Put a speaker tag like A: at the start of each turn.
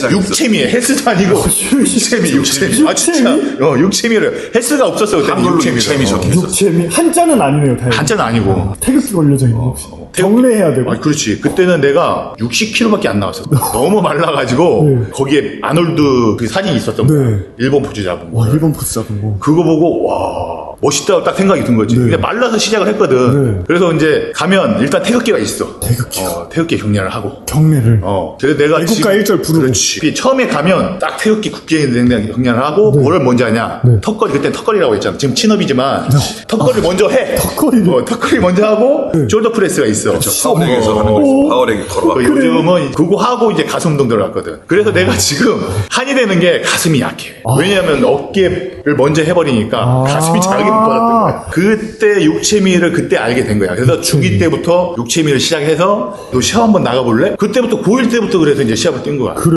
A: 육체미에 헬스도 아니고 육체미. 아 진짜. 육체미를 헬스가 없었어 그때.
B: 육체미 적혀있어.
C: 육체미 한자는 아니네요. 다행히.
A: 한자는 아니고.
C: 태극기 걸려져 있는 혹시. 경례해야 되고.
A: 아, 그렇지. 그때는 내가 60kg밖에 안 나왔어. 너무 말라가지고
C: 네.
A: 거기에 아놀드 그 사진이 있었던 거야.
C: 네.
A: 일본 포즈 잡은 거.
C: 와, 일본 포스 잡은 거.
A: 그거 보고 와 멋있다 딱 생각이 든 거지.
C: 네.
A: 근데 말라서 시작을 했거든.
C: 네.
A: 그래서 이제 가면 일단 태극기가 있어.
C: 태극기가.
A: 태극기 경례를 하고.
C: 경례를.
A: 그래서 내가
C: 애국가 1절 부르고.
A: 그렇지. 처음에 가면 딱 태극기 국기 경례를 하고 뭐를 먼저 하냐.
C: 네.
A: 턱걸이 그때 턱걸이라고 했잖아. 지금 친업이지만 턱걸이를 먼저 해.
C: 턱걸이를.
A: 턱걸이 먼저 하고
C: 네.
A: 숄더 프레스가 있어.
B: 파워렉에서 하는 거지. 파워렉이 걸어가.
A: 요즘은 그거 하고 이제 가슴 운동 들어갔거든. 그래서 내가 지금 한이 되는 게 가슴이 약해. 왜냐하면 어깨를 먼저 해버리니까 가슴이 자극이 못 받았던 거야. 그때 육체미를 그때 알게 된 거야. 그래서 중2 때부터 육체미를 시작해서 너 시합 한번 나가볼래? 그때부터 고1 때부터 그래서 이제 시합을 뛴 거야.